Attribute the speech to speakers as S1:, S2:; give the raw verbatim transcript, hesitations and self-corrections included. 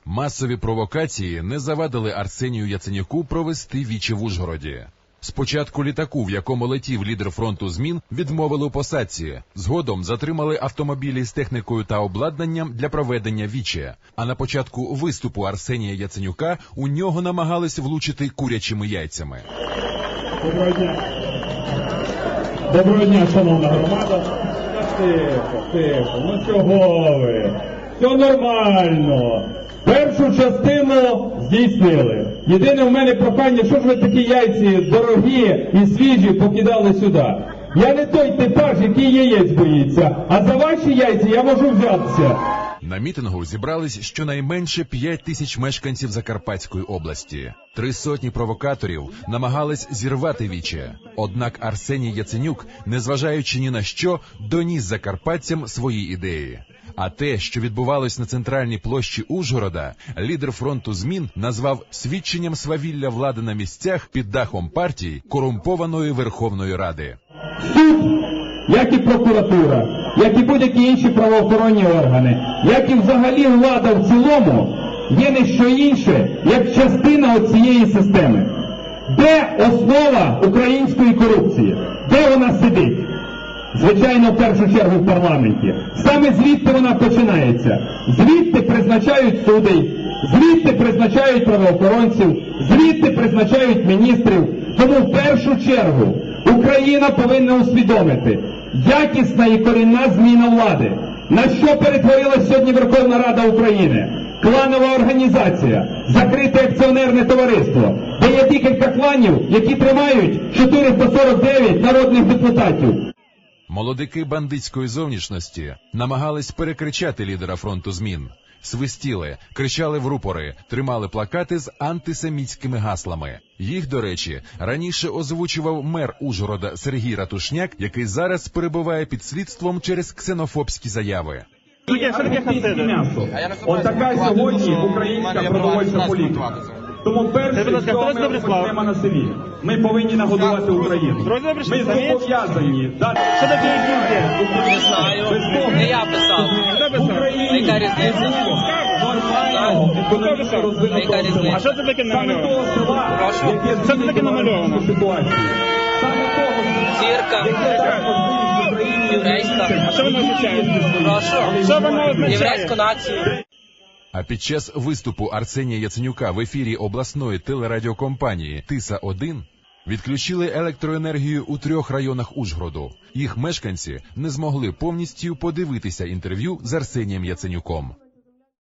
S1: Масові провокації не завадили Арсенію Яценюку провести віче в Ужгороді. Спочатку літаку, в якому летів лідер фронту змін, відмовили у посадці. Згодом затримали автомобілі з технікою та обладнанням для проведення віче. А на початку виступу Арсенія Яценюка у нього намагались влучити курячими яйцями.
S2: Доброго дня. Доброго дня, шановна громада. Тихо, тихо, ну чого ви? Все нормально. Першу частину здійснили. Єдине в мене прохання, що ж ви такі яйці дорогі і свіжі покидали сюди? Я не той типаж, який яєць боїться, а за ваші яйця я можу взятися.
S1: На мітингу зібрались щонайменше п'ять тисяч мешканців Закарпатської області. Три сотні провокаторів намагались зірвати віче. Однак Арсеній Яценюк, незважаючи ні на що, доніс закарпатцям свої ідеї. А те, що відбувалось на центральній площі Ужгорода, лідер фронту змін назвав свідченням свавілля влади на місцях під дахом партії корумпованої Верховної Ради.
S2: Суд, як і прокуратура, як і будь-які інші правоохоронні органи, як і взагалі влада в цілому, є не що інше, як частина цієї системи. Де основа української корупції? Де вона сидить? Звичайно, в першу чергу в парламенті. Саме звідти вона починається. Звідти призначають судей, звідти призначають правоохоронців, звідти призначають міністрів. Тому в першу чергу Україна повинна усвідомити якісна і корінна зміна влади. На що перетворилась сьогодні Верховна Рада України? Кланова організація, закрите акціонерне товариство, де є декілька кланів, які тримають чотириста сорок дев'ять народних депутатів.
S1: Молодики бандитської зовнішності намагались перекричати лідера фронту змін. Свистіли, кричали в рупори, тримали плакати з антисемітськими гаслами. Їх, до речі, раніше озвучував мер Ужгорода Сергій Ратушняк, який зараз перебуває під слідством через ксенофобські заяви.
S2: Ось така сьогодні українська продовольча політика. Тому перше, що ми розпочнемо на селі. Ми повинні нагодувати Україну. Ми зобов'язані дати...
S3: Що таке гільдія?
S4: Не знаю. Не я писав. Яка різниця?
S2: Нормального, економічно розвинутого села.
S3: А що це таке намальовано?
S2: Саме того села, яке
S3: Що це таке намальовано?
S2: ситуацію. Саме того,
S4: Зірка.
S2: яке дасть можливість Україні...
S4: Єврейська.
S3: А що воно означає?
S4: Прошу.
S3: Що воно означає?
S4: Єврейську націю.
S1: А під час виступу Арсенія Яценюка в ефірі обласної телерадіокомпанії Тиса один відключили електроенергію у трьох районах Ужгороду. Їх мешканці не змогли повністю подивитися інтерв'ю з Арсенієм Яценюком.